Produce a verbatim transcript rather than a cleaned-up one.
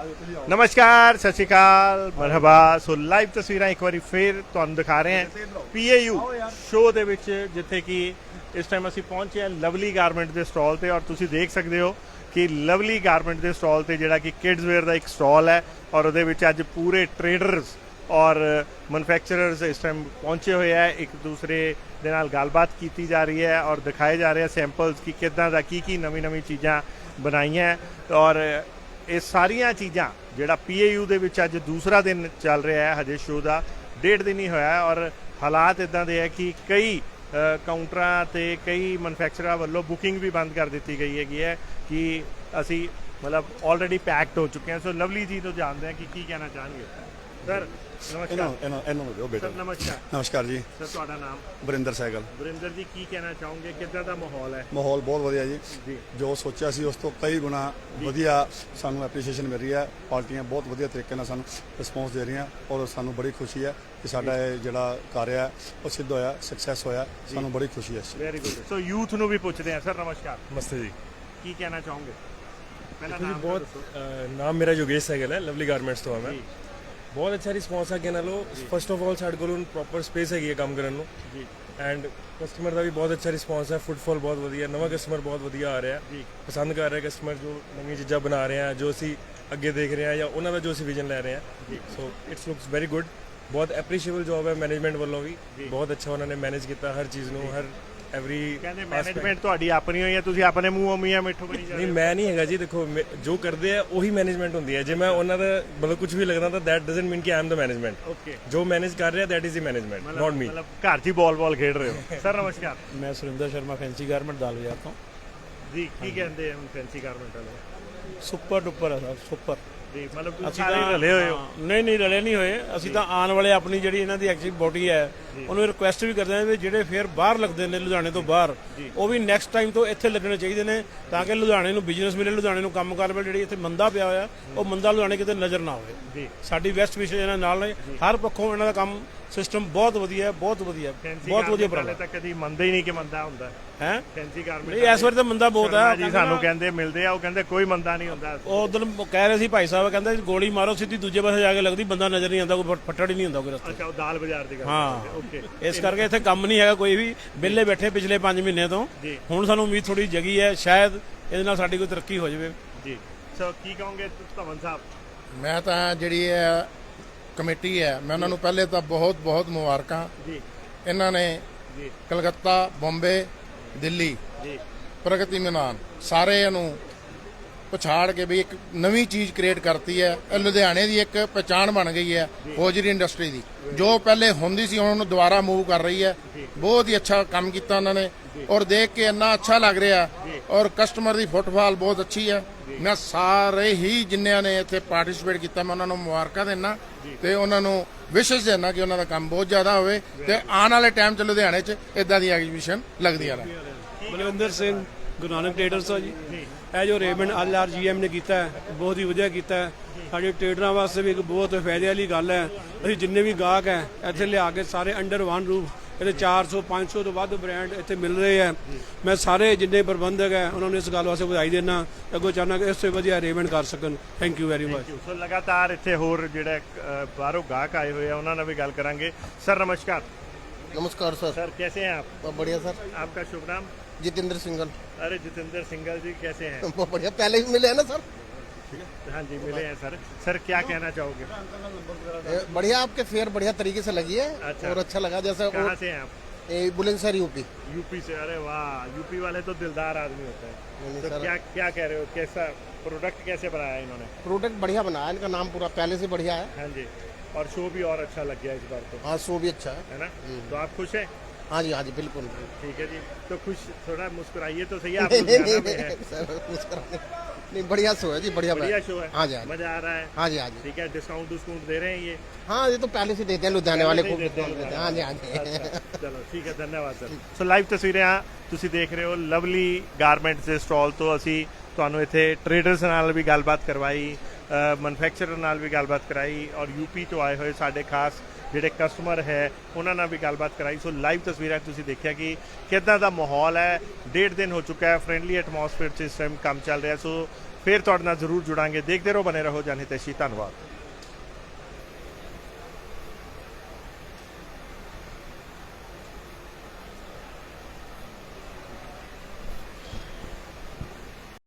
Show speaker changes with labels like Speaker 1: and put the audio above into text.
Speaker 1: नमस्कार, सत श्री अकाल, मरहबा। सो लाइव तस्वीर एक बार फिर तुहानूं दिखा रहे हैं पी ए यू शो दे विच, जिथे कि इस टाइम असीं पहुंचे हैं लवली गारमेंट के स्टॉल ते। और तुसीं देख सकते हो कि लवली गारमेंट के स्टॉल ते जिहड़ा कि किड्स वेयर का एक स्टॉल है और उहदे विच अज पूरे ट्रेडर्स और मैनुफैक्चरर्स इस टाइम पहुंचे हुए हैं। एक दूसरे दे नाल गलबात की जा रही है और दिखाए जा रहे हैं सैंपल्स कि किदां दा की की नवी नवी चीज़ां बनाईयां। और ये सारिया चीज़ां जिहड़ा पी ए यू दे विच अज दूसरा दिन चल रहा है, हजे शो का डेढ़ दिन ही होया है। और हालात इदां दे है कि कई काउंटरां ते कई मैनुफैक्चरर वालों बुकिंग भी बंद कर दी गई है कि असी मतलब ऑलरेडी पैक्ड हो चुके हैं। सो लवली जी तो जानते हैं कि की कहना चाहेंगे सर। नमस्कार सर। नमस्कार
Speaker 2: नमस्कार जी
Speaker 1: सर, ਤੁਹਾਡਾ ਨਾਮ?
Speaker 2: ਵਰਿੰਦਰ ਸਹਿਗਲ।
Speaker 1: ਵਰਿੰਦਰ ਜੀ, ਕੀ ਕਹਿਣਾ ਚਾਹੋਗੇ, ਕਿੱਦਾਂ ਦਾ ਮਾਹੌਲ ਹੈ?
Speaker 2: ਮਾਹੌਲ ਬਹੁਤ ਵਧੀਆ ਜੀ
Speaker 1: ਜੀ।
Speaker 2: ਜੋ ਸੋਚਿਆ ਸੀ ਉਸ ਤੋਂ ਕਈ ਗੁਣਾ ਵਧੀਆ ਸਾਨੂੰ ਐਪਰੀਸ਼ੀਏਸ਼ਨ ਮਿਲ ਰਹੀ ਹੈ। ਪਾਰਟੀਆਂ ਬਹੁਤ ਵਧੀਆ ਤਰੀਕੇ ਨਾਲ ਸਾਨੂੰ ਰਿਸਪੌਂਸ ਦੇ ਰਹੀਆਂ ਔਰ ਸਾਨੂੰ ਬੜੀ ਖੁਸ਼ੀ ਹੈ ਕਿ ਸਾਡਾ ਇਹ ਜਿਹੜਾ ਕਾਰਿਆ ਹੈ ਉਹ ਸਿੱਧ ਹੋਇਆ, ਸਕਸੈਸ ਹੋਇਆ। ਸਾਨੂੰ ਬੜੀ ਖੁਸ਼ੀ ਹੈ।
Speaker 1: Very good. ਸੋ ਯੂਥ ਨੂੰ ਵੀ ਪੁੱਛਦੇ ਆ ਸਰ। ਨਮਸਕਾਰ।
Speaker 3: नमस्ते जी।
Speaker 1: ਕੀ ਕਹਿਣਾ ਚਾਹੋਗੇ? ਪਹਿਲਾਂ
Speaker 3: देखो जी,
Speaker 1: ਨਾਮ
Speaker 3: बहुत
Speaker 1: ਦੱਸੋ।
Speaker 3: अ, नाम मेरा योगेश सहगल है, लवली गारमेंट्स तो है मैं। बहुत अच्छा रिस्पॉन्स है कहना लो। फस्ट ऑफ ऑल साढ़े को प्रॉपर स्पेस है काम करने ਨੂੰ
Speaker 1: ਜੀ
Speaker 3: एंड कस्टमर का भी बहुत अच्छा रिस्पॉन्स है। फुटफॉल बहुत ਵਧੀਆ, नवा कस्टमर बहुत ਵਧੀਆ आ रहा है,
Speaker 1: ਜੀ
Speaker 3: पसंद कर रहे हैं कस्टमर जो नवी चीज़ां बना रहे हैं, जो ਅਸੀਂ ਅੱਗੇ देख रहे हैं या ਉਹਨਾਂ ਦਾ ਜੋ ਅਸੀਂ ਵਿਜ਼ਨ ਲੈ ਰਹੇ हैं। So it's looks very good. बहुत एप्रीशिएबल जॉब है मैनेजमेंट ਵੱਲੋਂ ਵੀ। ਬਹੁਤ ਅੱਛਾ ਉਹਨਾਂ ਨੇ ਮੈਨੇਜ ਕੀਤਾ ਹਰ ਚੀਜ਼ ਨੂੰ, ਹਰ ਐਵਰੀ।
Speaker 1: ਕਹਿੰਦੇ ਮੈਨੇਜਮੈਂਟ ਤੁਹਾਡੀ ਆਪਣੀ ਹੋਈ ਹੈ, ਤੁਸੀਂ ਆਪਣੇ ਮੂੰਹੋਂ ਮੀਆਂ ਮਿੱਠੂ ਬਣੀ ਜਾਂਦੇ
Speaker 3: ਨਹੀਂ
Speaker 1: ਹੋ।
Speaker 3: ਮੈਂ ਨਹੀਂ ਹੈਗਾ ਜੀ। ਦੇਖੋ ਮੇ- ਜੋ ਕਰਦੇ ਆ ਉਹੀ ਮੈਨੇਜਮੈਂਟ ਹੁੰਦੀ ਹੈ। ਜੇ ਮੈਂ ਉਹਨਾਂ ਦਾ ਮਤਲਬ ਕੁਝ ਵੀ ਲੱਗਦਾ ਤਾਂ ਦੈਟ ਡਸਨਟ ਮੀਨ ਕਿ I am the management.
Speaker 1: Okay,
Speaker 3: ਜੋ ਮੈਨੇਜ ਕਰ ਰਿਹਾ that is the management, not me.
Speaker 1: ਮਤਲਬ ਘਰ 'ਚ ਹੀ ਬਾਲ ਬਾਲ ਖੇਡ ਰਹੇ ਹੋ। ਸਰ ਨਮਸਕਾਰ
Speaker 4: मैं सुरिंदर शर्मा फैंसी गारमेंट दाल बाजार तो
Speaker 1: ਜੀ। ਕੀ ਕਹਿੰਦੇ ਆ ਹੁਣ ਫੈਂਸੀ ਗਾਰਮੈਂਟ ਵਾਲੇ?
Speaker 4: सुपर डुपर है सर, सुपर।
Speaker 1: ਜੀ ਮਤਲਬ ਤੁਸੀਂ
Speaker 4: ਅਸੀਂ
Speaker 1: ਸਾਰੇ
Speaker 4: ਤਾਂ
Speaker 1: ਰਲੇ ਹੋਏ ਹੋ।
Speaker 4: ਹਾਂ, ਨਹੀਂ ਨਹੀਂ ਰਲੇ ਨਹੀਂ ਹੋਏ ਅਸੀਂ ਤਾਂ ਆਉਣ ਵਾਲੇ ਆਪਣੀ ਜਿਹੜੀ ਇਹਨਾਂ ਦੀ ਐਕਟਿਵ ਬੋਡੀ ਹੈ ਉਹਨੂੰ ਰਿਕੁਐਸਟ ਵੀ ਕਰਦੇ ਹਾਂ ਵੀ ਜਿਹੜੇ ਫੇਰ ਬਾਹਰ ਲੱਗਦੇ ਨੇ ਲੁਧਿਆਣੇ ਤੋਂ ਬਾਹਰ ਉਹ ਵੀ ਨੈਕਸਟ ਟਾਈਮ ਤੋਂ ਇੱਥੇ ਲੱਗਣੇ ਚਾਹੀਦੇ ਨੇ ਤਾਂ ਕਿ ਲੁਧਿਆਣੇ ਨੂੰ ਬਿਜ਼ਨਸ ਮਿਲੇ, ਲੁਧਿਆਣੇ ਨੂੰ ਕੰਮ ਕਾਰ ਮਿਲੇ। ਜਿਹੜੀ ਇੱਥੇ ਮੰਦਾ ਪਿਆ ਹੋਇਆ ਉਹ ਮੰਦਾ ਲੁਧਿਆਣੇ ਕਿਤੇ ਨਜ਼ਰ ਨਾ ਆਵੇ।
Speaker 1: ਜੀ
Speaker 4: ਸਾਡੀ ਵੈਸਟ ਵਿਸ਼ੇ ਇਹਨਾਂ ਨਾਲ ਨੇ, ਹਰ ਪੱਖੋਂ ਇਹਨਾਂ ਦਾ ਕੰਮ ਸਿਸਟਮ ਬਹੁਤ ਵਧੀਆ ਹੈ, ਬਹੁਤ ਵਧੀਆ ਹੈ,
Speaker 1: ਫੈਂਸੀ
Speaker 4: ਬਹੁਤ ਵਧੀਆ
Speaker 1: ਵਾਲੇ
Speaker 4: ਪ੍ਰੋਗਰਾਮ
Speaker 1: ਤਾਂ ਕਦੀ ਮੰਨਦੇ ਹੀ ਨਹੀਂ ਕਿ ਮੰਦਾ ਹੁੰਦਾ
Speaker 4: ਹੈ।
Speaker 1: Fancy garment.
Speaker 4: ਨਹੀਂ ਇਸ ਵਾਰ ਤਾਂ ਮੰਦਾ ਬਹੁਤ ਹੈ
Speaker 1: ਜੀ ਸਾਨੂੰ ਕਹਿੰਦੇ ਮਿਲਦੇ ਆ, ਉਹ ਕਹਿੰਦੇ ਕੋਈ ਮੰਦਾ ਨਹੀਂ ਹੁੰਦਾ।
Speaker 4: ਉਹ ਉਦੋਂ ਕਹਿ ਰਹੇ ਸੀ ਭਾਈ ਸਾਹਿਬ, ਕਹਿੰਦੇ ਗੋਲੀ ਮਾਰੋ ਸਿੱਧੀ ਦੂਜੇ ਪਾਸੇ ਜਾ ਕੇ ਲੱਗਦੀ, ਬੰਦਾ ਨਜ਼ਰ ਨਹੀਂ ਆਉਂਦਾ, ਕੋਈ ਫੱਟੜ ਹੀ ਨਹੀਂ ਹੁੰਦਾ ਕੋਈ ਰਸਤੇ।
Speaker 1: ਅੱਛਾ, ਉਹ ਦਾਲ ਬਾਜ਼ਾਰ ਦੀ ਗੱਲ
Speaker 4: ਹਾਂ।
Speaker 1: ਓਕੇ।
Speaker 4: ਇਸ ਕਰਕੇ ਇੱਥੇ ਕੰਮ ਨਹੀਂ ਹੈਗਾ ਕੋਈ ਵੀ, ਵਿਹਲੇ ਬੈਠੇ ਪਿਛਲੇ ਪੰਜ ਮਹੀਨੇ ਤੋਂ।
Speaker 1: ਜੀ।
Speaker 4: ਹੁਣ ਸਾਨੂੰ ਉਮੀਦ ਥੋੜੀ ਜਗੀ ਹੈ, ਸ਼ਾਇਦ ਇਹਦੇ ਨਾਲ ਸਾਡੀ ਕੋਈ ਤਰੱਕੀ ਹੋ ਜਾਵੇ।
Speaker 1: ਜੀ ਸੋ ਕੀ ਕਹੋਗੇ ਧਵਨ ਸਾਹਿਬ?
Speaker 5: ਮੈਂ ਤਾਂ ਜਿਹੜੀ ਹੈ ਕਮੇਟੀ ਹੈ, ਮੈਂ ਉਹਨਾਂ ਨੂੰ ਪਹਿਲੇ ਤਾਂ ਬਹੁਤ ਬਹੁਤ ਮੁਬਾਰਕਾਂ।
Speaker 1: ਜੀ
Speaker 5: ਇਹਨਾਂ ਨੇ
Speaker 1: ਜੀ
Speaker 5: ਕਲਕੱਤਾ, ਬੰਬੇ, ਦਿੱਲੀ
Speaker 1: ਜੀ
Speaker 5: ਪ੍ਰਗਤੀ ਮੈਦਾਨ ਸਾਰੇ ਨੂੰ ਪਛਾੜ ਕੇ ਵੀ ਇੱਕ ਨਵੀਂ ਚੀਜ਼ ਕ੍ਰੀਏਟ ਕਰਤੀ ਹੈ। ਇਹ ਲੁਧਿਆਣੇ ਦੀ ਇੱਕ ਪਛਾਣ ਬਣ ਗਈ ਹੈ ਹੋਜਰੀ ਇੰਡਸਟਰੀ ਦੀ, ਜੋ ਪਹਿਲੇ ਹੁੰਦੀ ਸੀ ਹੁਣ ਉਹਨੂੰ ਦੁਬਾਰਾ ਮੂਵ ਕਰ ਰਹੀ ਹੈ। ਬਹੁਤ ਹੀ ਅੱਛਾ ਕੰਮ ਕੀਤਾ ਉਹਨਾਂ ਨੇ ਔਰ ਦੇਖ ਕੇ ਇੰਨਾ ਅੱਛਾ ਲੱਗ ਰਿਹਾ ਔਰ ਕਸਟਮਰ ਦੀ ਫੁੱਟਫਾਲ ਬਹੁਤ ਅੱਛੀ ਹੈ। ਮੈਂ ਸਾਰੇ ਹੀ ਜਿੰਨਿਆਂ ਨੇ ਇੱਥੇ ਪਾਰਟਿਸਿਪੇਟ ਕੀਤਾ ਮੈਂ ਉਹਨਾਂ ਨੂੰ ਮੁਬਾਰਕਾਂ ਦਿੰਦਾ ਤੇ ਉਹਨਾਂ ਨੂੰ ਵਿਸ਼ੇਸ਼ ਦੇਣਾ ਕਿ ਉਹਨਾਂ ਦਾ ਕੰਮ ਬਹੁਤ ਜ਼ਿਆਦਾ ਹੋਵੇ ਤੇ ਆਉਣ ਵਾਲੇ ਟਾਈਮ 'ਚ ਲੁਧਿਆਣੇ 'ਚ ਇਦਾਂ ਦੀ ਐਗਜ਼ੀਬਿਸ਼ਨ ਲੱਗਦੀਆਂ ਰਹਿਣ।
Speaker 4: ਬਲਵਿੰਦਰ ਸਿੰਘ, ਗੁਰੂ ਨਾਨਕ ਟ੍ਰੇਡਰਸ ਆ ਜੀ। ਇਹ ਜੋ Raymond L R G M ਨੇ ਕੀਤਾ ਹੈ ਬਹੁਤ ਹੀ ਵਧੀਆ ਕੀਤਾ ਹੈ। ਸਾਡੇ ਟ੍ਰੇਡਰਾਂ ਵਾਸਤੇ ਵੀ ਇੱਕ ਬਹੁਤ ਫਾਇਦੇ ਵਾਲੀ ਗੱਲ ਹੈ। ਅਸੀਂ ਜਿੰਨੇ ਵੀ ਗਾਹਕ ਹੈ ਇੱਥੇ ਲਿਆ ਕੇ ਸਾਰੇ ਅੰਡਰ ਵਨ ਰੂਫ, ਇਹਦੇ ਚਾਰ ਸੌ ਪੰਜ ਸੌ ਤੋਂ ਵੱਧ ਬ੍ਰਾਂਡ ਇੱਥੇ ਮਿਲ ਰਹੇ ਹੈ। ਮੈਂ ਸਾਰੇ ਜਿੰਨੇ ਪ੍ਰਬੰਧਕ ਹੈ ਉਹਨਾਂ ਨੂੰ ਇਸ ਗੱਲ ਵਾਸਤੇ ਵਧਾਈ ਦੇਣਾ, ਅੱਗੋਂ ਚਾਹੁੰਦਾ ਕਿ ਇਸ ਤੋਂ ਵਧੀਆ ਅਰੇਂਜਮੈਂਟ ਕਰ ਸਕਣ। Thank you very much.
Speaker 1: So ਲਗਾਤਾਰ ਇੱਥੇ ਹੋਰ ਜਿਹੜੇ ਅ, ਬਾਹਰੋਂ ਗਾਹਕ ਆਏ ਹੋਏ ਆ ਉਹਨਾਂ ਨਾਲ ਵੀ ਗੱਲ ਕਰਾਂਗੇ। ਸਰ ਨਮस्कार।
Speaker 5: नमस्कार सर।
Speaker 1: सर कैसे हैं आप?
Speaker 5: बहुत बढ़िया सर।
Speaker 1: आपका शुभ नाम?
Speaker 5: जितेंद्र सिंगल।
Speaker 1: अरे जितेंद्र सिंगल जी कैसे हैं?
Speaker 5: बहुत बढ़िया, पहले भी मिले हैं ना सर।
Speaker 1: हाँ जी मिले हैं सर। सर क्या कहना चाहोगे?
Speaker 5: ए, बढ़िया, आपके फेयर बढ़िया तरीके से लगी है
Speaker 1: अच्छा।
Speaker 5: और अच्छा लगा। जैसे
Speaker 1: कहाँ से हैं आप?
Speaker 5: बुलंदशहर यूपी।
Speaker 1: यूपी से? अरे वाह, यूपी वाले तो दिलदार आदमी होते हैं।
Speaker 5: नहीं
Speaker 1: तो
Speaker 5: सर,
Speaker 1: क्या क्या कह रहे हो, कैसा प्रोडक्ट कैसे बनाया इन्होंने?
Speaker 5: प्रोडक्ट बढ़िया बनाया, इनका नाम पूरा पहले से बढ़िया है।
Speaker 1: हाँ जी, और शो भी और अच्छा लग गया इस बार तो,
Speaker 5: हाँ, शो भी अच्छा है।
Speaker 1: है ना? तो आप खुश हैं?
Speaker 5: हाँ जी, हाँ जी, बिल्कुल।
Speaker 1: ठीक है जी। तो खुश, थोड़ा मुस्कुराइए तो सही। आप
Speaker 5: नहीं नहीं
Speaker 1: लुधियाना में हैं।
Speaker 5: नहीं सर, मुस्कुराने नहीं, बढ़िया शो है जी, बढ़िया
Speaker 1: बढ़िया शो है।
Speaker 5: हाँ जी, हाँ जी,
Speaker 1: मजा आ रहा है?
Speaker 5: हाँ जी, हाँ जी।
Speaker 1: ठीक है। डिस्काउंट डिस्काउंट दे रहे हैं ये?
Speaker 5: हाँ, ये तो पहले से देते हैं लुधियाने वाले
Speaker 1: पहले
Speaker 5: को
Speaker 1: से ही देते हैं
Speaker 5: देते हैं। हाँ जी, हाँ जी।
Speaker 1: अच्छा, चलो ठीक है, धन्यवाद सर। सो लाइव तस्वीरें आ ਤੁਸੀਂ ਦੇਖ ਰਹੇ ਹੋ ਲਵਲੀ ਗਾਰਮੈਂਟਸ ਦੇ ਸਟਾਲ ਤੋਂ। ਅਸੀਂ ਤੁਹਾਨੂੰ ਇੱਥੇ ਟ੍ਰੇਡਰਸ ਨਾਲ ਵੀ ਗੱਲਬਾਤ ਕਰਵਾਈ, ਮੈਨੂਫੈਕਚਰਰ ਨਾਲ ਵੀ ਗੱਲਬਾਤ ਕਰਾਈ ਔਰ ਯੂਪੀ ਤੋਂ ਆਏ ਹੋਏ ਸਾਡੇ ਖਾਸ ਜਿਹੜੇ ਕਸਟਮਰ ਹੈ ਉਹਨਾਂ ਨਾਲ ਵੀ ਗੱਲਬਾਤ ਕਰਾਈ। ਸੋ ਲਾਈਵ ਤਸਵੀਰਾਂ ਤੁਸੀਂ ਦੇਖਿਆ ਕਿ ਕਿੱਦਾਂ ਦਾ ਮਾਹੌਲ ਹੈ। ਡੇਢ ਦਿਨ ਹੋ ਚੁੱਕਾ ਹੈ, ਫਰੈਂਡਲੀ ਐਟਮੋਸਫੇਅਰ 'ਚ ਇਸ ਟਾਈਮ ਕੰਮ ਚੱਲ ਰਿਹਾ। ਸੋ ਫਿਰ ਤੁਹਾਡੇ ਨਾਲ ਜ਼ਰੂਰ ਜੁੜਾਂਗੇ। ਦੇਖਦੇ ਰਹੋ, ਬਨੇ ਰਹੋ ਜਨ ਹਿਤੈਸ਼ੀ। ਧੰਨਵਾਦ।